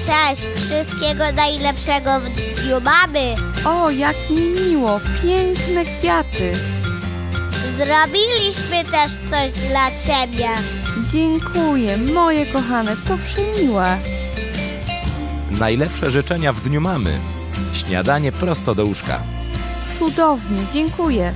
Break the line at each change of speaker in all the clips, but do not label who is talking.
Cześć, wszystkiego najlepszego w dniu mamy.
O, jak mi miło, piękne kwiaty.
Zrobiliśmy też coś dla ciebie.
Dziękuję, moje kochane, to przemiłe.
Najlepsze życzenia w dniu mamy. Śniadanie prosto do łóżka.
Cudownie, dziękuję.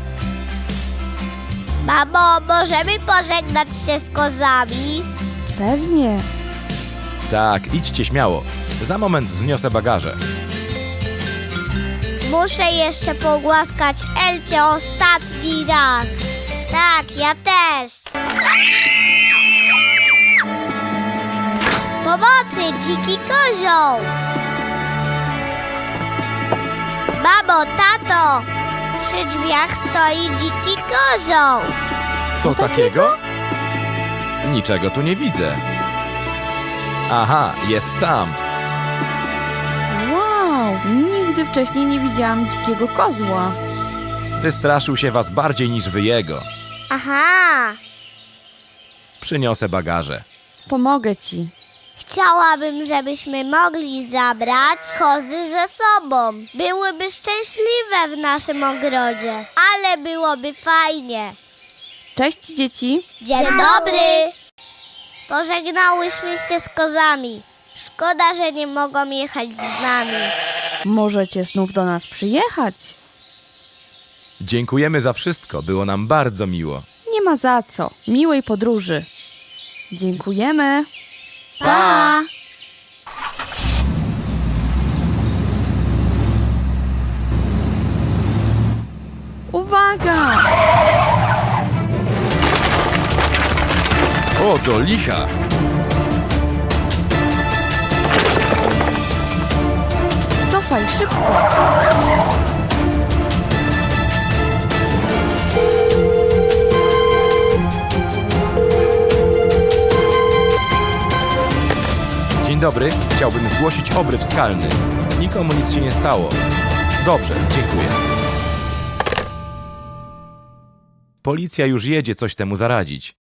Mamo, możemy pożegnać się z kozami?
Pewnie.
Tak, idźcie śmiało. Za moment zniosę bagaże.
Muszę jeszcze pogłaskać Elcie ostatni raz. Tak, ja też. Pomocy, dziki kozioł! Mamo, tato! Przy drzwiach stoi dziki kozioł.
Co takiego? Niczego tu nie widzę. Aha, jest tam.
Wow, nigdy wcześniej nie widziałam dzikiego kozła.
Wystraszył się was bardziej niż wy jego.
Aha!
Przyniosę bagaże.
Pomogę ci.
Chciałabym, żebyśmy mogli zabrać kozy ze sobą. Byłyby szczęśliwe w naszym ogrodzie, ale byłoby fajnie.
Cześć dzieci.
Dzień dobry! Pożegnałyśmy się z kozami. Szkoda, że nie mogą jechać z nami.
Możecie znów do nas przyjechać.
Dziękujemy za wszystko, było nam bardzo miło.
Nie ma za co. Miłej podróży. Dziękujemy.
Pa!
Uwaga!
O, do licha!
Cofaj szybko.
Dzień dobry, chciałbym zgłosić obryw skalny. Nikomu nic się nie stało. Dobrze, dziękuję. Policja już jedzie coś temu zaradzić.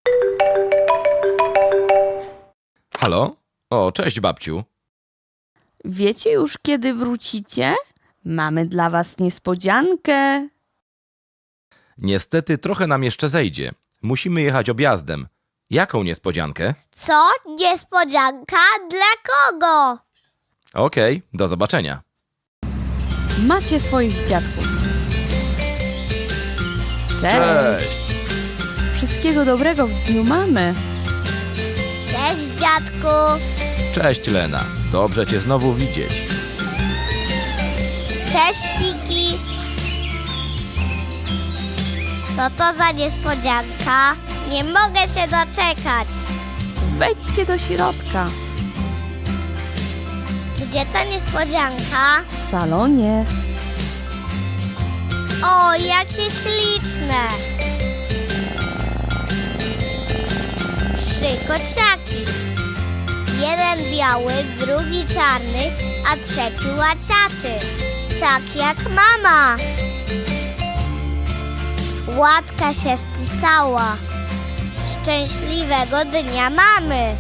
Halo? O, cześć babciu.
Wiecie już, kiedy wrócicie? Mamy dla was niespodziankę.
Niestety trochę nam jeszcze zejdzie. Musimy jechać objazdem. Jaką niespodziankę?
Co? Niespodzianka? Dla kogo?
Okej, do zobaczenia.
Macie swoich dziadków. Cześć. Wszystkiego dobrego w dniu mamy.
Cześć, dziadku.
Cześć Lena, dobrze cię znowu widzieć.
Cześć, Kiki. Co to za niespodzianka? Nie mogę się doczekać.
Wejdźcie do środka.
Gdzie ta niespodzianka?
W salonie.
O, jakie śliczne! 3 kociaki. Jeden biały, drugi czarny, a trzeci łaciaty. Tak jak mama. Łatka się spisała. Szczęśliwego dnia mamy.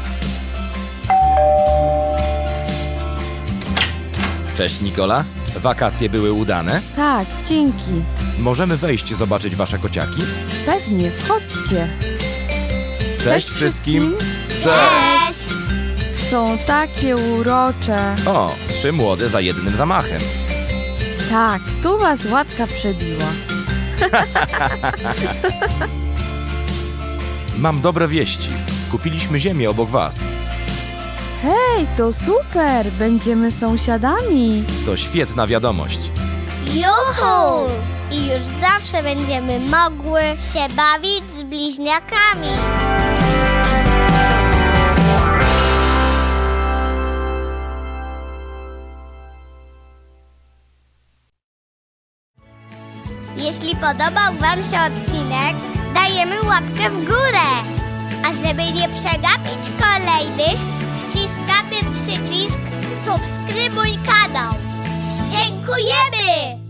Cześć Nikola, wakacje były udane?
Tak, dzięki.
Możemy wejść zobaczyć wasze kociaki?
Pewnie, wchodźcie.
Cześć wszystkim!
Cześć!
Są takie urocze.
O, 3 młode za jednym zamachem.
Tak, tu was łatka przebiła.
Mam dobre wieści. Kupiliśmy ziemię obok was.
Hej, to super! Będziemy sąsiadami.
To świetna wiadomość.
Juhu! I już zawsze będziemy mogły się bawić z bliźniakami. Jeśli podobał wam się odcinek, dajemy łapkę w górę. A żeby nie przegapić kolejnych, wciskamy przycisk subskrybuj kanał. Dziękujemy!